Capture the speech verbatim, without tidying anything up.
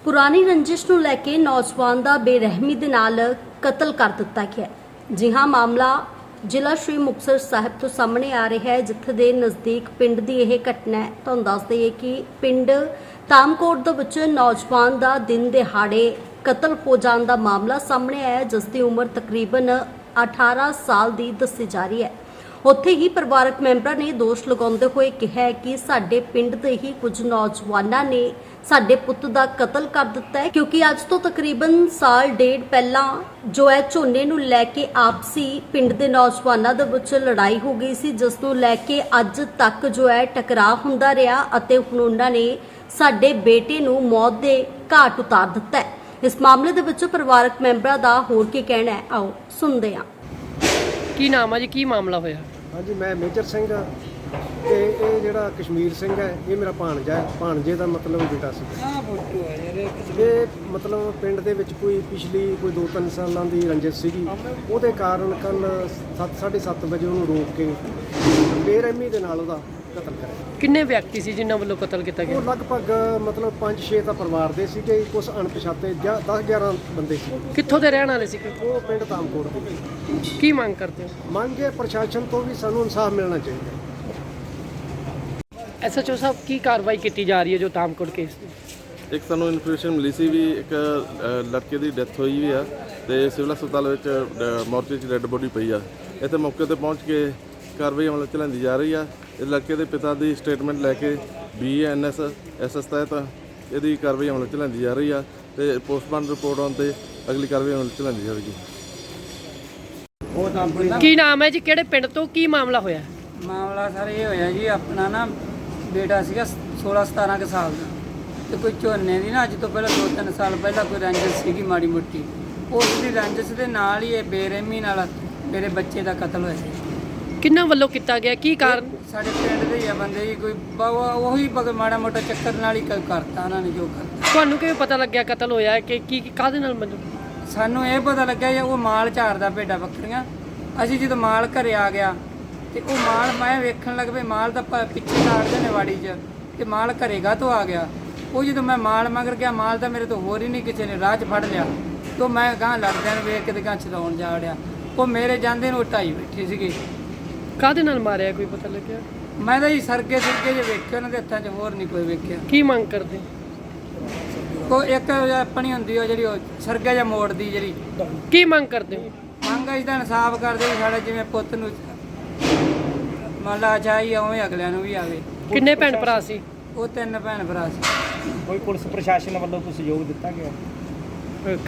पुरानी रंजिश नूं लैके नौजवान का बेरहमी दे नाल कतल कर दिता गया। जी हाँ, मामला जिला श्री मुक्तसर साहिब तो सामने आ रहा है, जिथे दे नज़दीक पिंड की यह घटना है। तुहानूं दस दईए कि पिंड तामकोट दे विच नौजवान का दिन दिहाड़े कतल हो जाने का मामला सामने आया, जिसकी उम्र तकरीबन अठारह साल की दसी जा रही है। उत्थे ही परिवारक मैंबरां ने दोष लगाउंदे होए कहा है कि साडे पिंड दे ही कुछ नौजवानां ने साडे पुੱਤ ਦਾ कतल कर दिता है, क्योंकि अज तो तकरीबन साल डेढ़ पहला जो है झोने नूं लैके आपसी पिंड दे नौजवानां दे विच लड़ाई हो गई सी, जिस नूं लैके अज तक जो है टकराव हुंदा रहा अते हुण उन्हां ने साडे बेटे नूं मौत दे घाट उतार दिता है। इस मामले दे विच परिवारक मैंबरां दा होर की कहना है, आओ सुनदे हां। की नाम है जी, की मामला होया? हाँ जी, मैं मेजर सिंह हाँ ਤੇ ਇਹ ਜਿਹੜਾ ਕਸ਼ਮੀਰ ਸਿੰਘ ਹੈ ਇਹ ਮੇਰਾ ਭਾਣਜਾ ਹੈ। ਭਾਣਜੇ ਦਾ ਮਤਲਬ ਬੇਟਾ ਸੀ। ਇਹ ਮਤਲਬ ਪਿੰਡ ਦੇ ਵਿੱਚ ਕੋਈ ਪਿਛਲੀ ਕੋਈ ਦੋ ਤਿੰਨ ਸਾਲਾਂ ਦੀ ਰੰਜਿਸ਼ ਸੀਗੀ, ਉਹਦੇ ਕਾਰਨ ਕੱਲ ਸੱਤ ਸਾਢੇ ਸੱਤ ਵਜੇ ਉਹਨੂੰ ਰੋਕ ਕੇ ਬੇਰਹਿਮੀ ਦੇ ਨਾਲ ਉਹਦਾ ਕਤਲ ਕਰਿਆ। ਕਿੰਨੇ ਵਿਅਕਤੀ ਸੀ ਜਿਨ੍ਹਾਂ ਵੱਲੋਂ ਕਤਲ ਕੀਤਾ ਗਿਆ? ਉਹ ਲਗਭਗ ਮਤਲਬ ਪੰਜ ਛੇ ਤਾਂ ਪਰਿਵਾਰ ਦੇ ਸੀਗੇ, ਕੁਝ ਅਣਪਛਾਤੇ ਜਾਂ ਦਸ ਗਿਆਰਾਂ ਬੰਦੇ ਸੀ। ਕਿੱਥੋਂ ਦੇ ਰਹਿਣ ਵਾਲੇ ਸੀ? ਉਹ ਪਿੰਡ ਤਾਮਕੋਟ ਦੇ। ਕੀ ਮੰਗ ਕਰਦੇ ਹੋ? ਮੰਗ ਹੈ ਪ੍ਰਸ਼ਾਸਨ ਤੋਂ ਵੀ ਸਾਨੂੰ ਇਨਸਾਫ ਮਿਲਣਾ ਚਾਹੀਦਾ। ਐਸ ਐਚ ਓ ਸਾਹਿਬ, ਕੀ ਕਾਰਵਾਈ ਕੀਤੀ ਜਾ ਰਹੀ ਹੈ ਜੋ ਤਾਮਕੋਟ ਕੇਸ ਦੀ? ਇੱਕ ਸਾਨੂੰ ਇਨਫੋਰਮੇਸ਼ਨ ਮਿਲੀ ਸੀ ਵੀ ਇੱਕ ਅ, ਲੜਕੇ ਦੀ ਡੈਥ ਹੋਈ ਵੀ ਆ ਤੇ ਸਿਵਲ ਹਸਪਤਾਲ ਵਿੱਚ ਮੋਰਚੇ 'ਚ ਡੈੱਡ ਬੋਡੀ ਪਈ ਆ। ਇੱਥੇ ਮੌਕੇ ਤੇ ਪਹੁੰਚ ਕੇ ਕਾਰਵਾਈ ਅਮਲ 'ਚ ਲਿਆਂਦੀ ਜਾ ਰਹੀ ਆ। ਇਸ ਲੜਕੇ ਦੇ ਪਿਤਾ ਦੀ ਸਟੇਟਮੈਂਟ ਲੈ ਕੇ B N S S S ਤਹਿਤ ਇਹਦੀ ਕਾਰਵਾਈ ਅਮਲ 'ਚ ਲਿਆਂਦੀ ਜਾ ਰਹੀ ਆ ਤੇ ਪੋਸਟਮਾਰਟਮ ਰਿਪੋਰਟ ਆਉਣ ਤੇ ਅਗਲੀ ਕਾਰਵਾਈ ਅਮਲ 'ਚ ਲਿਆਂਦੀ ਜਾਵੇਗੀ। ਕੀ ਨਾਮ ਹੈ ਜੀ, ਕਿਹੜੇ ਪਿੰਡ ਤੋਂ, ਕੀ ਮਾਮਲਾ ਹੋਇਆ? ਮਾਮਲਾ ਸਰ ਇਹ ਹੋਇਆ ਜੀ, ਆਪਣਾ ਨਾ ਬੇਟਾ ਸੀਗਾ ਸੋਲਾਂ ਸਤਾਰਾਂ ਕੁ ਸਾਲ ਦਾ, ਤੇ ਕੋਈ ਝੋਨੇ ਦੀ ਨਾ ਅੱਜ ਤੋਂ ਪਹਿਲਾਂ ਦੋ ਤਿੰਨ ਸਾਲ ਪਹਿਲਾਂ ਕੋਈ ਰੰਜਿਸ਼ ਸੀਗੀ ਮਾੜੀ ਮੋਟੀ। ਉਸ ਦੀ ਰੰਜਿਸ਼ ਦੇ ਨਾਲ ਹੀ ਇਹ ਬੇਰਹਿਮੀ ਨਾਲ ਮੇਰੇ ਬੱਚੇ ਦਾ ਕਤਲ ਹੋਇਆ ਜੀ। ਕਿੰਨਾਂ ਵੱਲੋਂ ਕੀਤਾ ਗਿਆ, ਕੀ ਕਾਰਨ? ਸਾਡੇ ਪਿੰਡ ਦੇ ਹੀ ਆ ਬੰਦੇ ਜੀ, ਕੋਈ ਬ- ਉਹੀ ਬਗ ਮਾੜਾ ਮੋਟਾ ਚੱਕਰ ਨਾਲ ਹੀ ਕ- ਕਰਤਾ ਉਹਨਾਂ ਨੇ ਜੋ ਕਰਤਾ। ਤੁਹਾਨੂੰ ਕਿਵੇਂ ਪਤਾ ਲੱਗਿਆ ਕਤਲ ਹੋਇਆ ਹੈ ਕਿ ਕੀ ਕਾਹਦੇ ਨਾਲ? ਮਤਲਬ ਸਾਨੂੰ ਇਹ ਪਤਾ ਲੱਗਿਆ ਜੀ ਉਹ ਮਾਲ ਝਾੜਦਾ ਭੇਡਾਂ ਬੱਕਰੀਆਂ। ਅਸੀਂ ਜਦੋਂ ਮਾਲ ਘਰੇ ਆ ਗਿਆ ਤੇ ਉਹ ਮਾਲ ਮੈਂ ਵੇਖਣ ਲੱਗ ਪਈ, ਮਾਲ ਤਾਂ ਪ- ਪਿੱਛੇ ਤਾੜਦੇ ਨੇ ਵਾੜੀ 'ਚ, ਤੇ ਮਾਲ ਘਰੇਗਾ ਤੋਂ ਆ ਗਿਆ। ਉਹ ਜਦੋਂ ਮੈਂ ਮਾਲ ਮਗਰ ਗਿਆ, ਮਾਲ ਤਾਂ ਮੇਰੇ ਤੋਂ ਹੋਰ ਹੀ ਨਹੀਂ ਕਿਸੇ ਨੇ ਰਾਹ 'ਚ ਫੜ ਲਿਆ। ਤੋਂ ਮੈਂ ਗਾਂ ਲੜਦਿਆਂ ਨੂੰ ਵੇਖ ਕੇ ਤੇ ਗਾਂ ਚਲਾਉਣ ਜਾ ਵੜਿਆ। ਉਹ ਮੇਰੇ ਜਾਂਦੇ ਨੂੰ ਢਾਈ ਬੈਠੇ ਸੀਗੇ। ਕਾਹਦੇ ਨਾਲ ਮਾਰਿਆ, ਕੋਈ ਪਤਾ ਲੱਗਿਆ? ਮੈਂ ਤਾਂ ਜੀ ਸਰਗੇ ਸਰਗੇ ਜੇ ਵੇਖੇ ਉਹਨਾਂ ਦੇ ਹੱਥਾਂ 'ਚ, ਹੋਰ ਨਹੀਂ ਕੋਈ ਵੇਖਿਆ। ਕੀ ਮੰਗ ਕਰਦੇ? ਕੋਈ ਇੱਕ ਆਪਣੀ ਹੁੰਦੀ ਉਹ ਜਿਹੜੀ ਉਹ ਸਰਗਾ ਜਾਂ ਮੋੜਦੀ ਜਿਹੜੀ ਕੀ ਮੰਗ ਕਰਦੇ ਹੋ? ਮੰਗ ਇਸ ਦਾ ਇਨਸਾਫ ਕਰਦੇ ਵੀ ਸਾਡਾ ਜਿਵੇਂ ਪੁੱਤ ਨੂੰ ਮੰਨ ਲਾ ਚਾਹੀ ਉਵੇਂ ਅਗਲਿਆਂ ਨੂੰ ਵੀ ਆਵੇ। ਕਿੰਨੇ ਭੈਣ ਭਰਾ ਸੀ? ਉਹ ਤਿੰਨ ਭੈਣ ਭਰਾ ਸੀ। ਕੋਈ ਪੁਲਿਸ ਪ੍ਰਸ਼ਾਸਨ ਵੱਲੋਂ ਕੋਈ ਸਹਿਯੋਗ ਦਿੱਤਾ ਗਿਆ?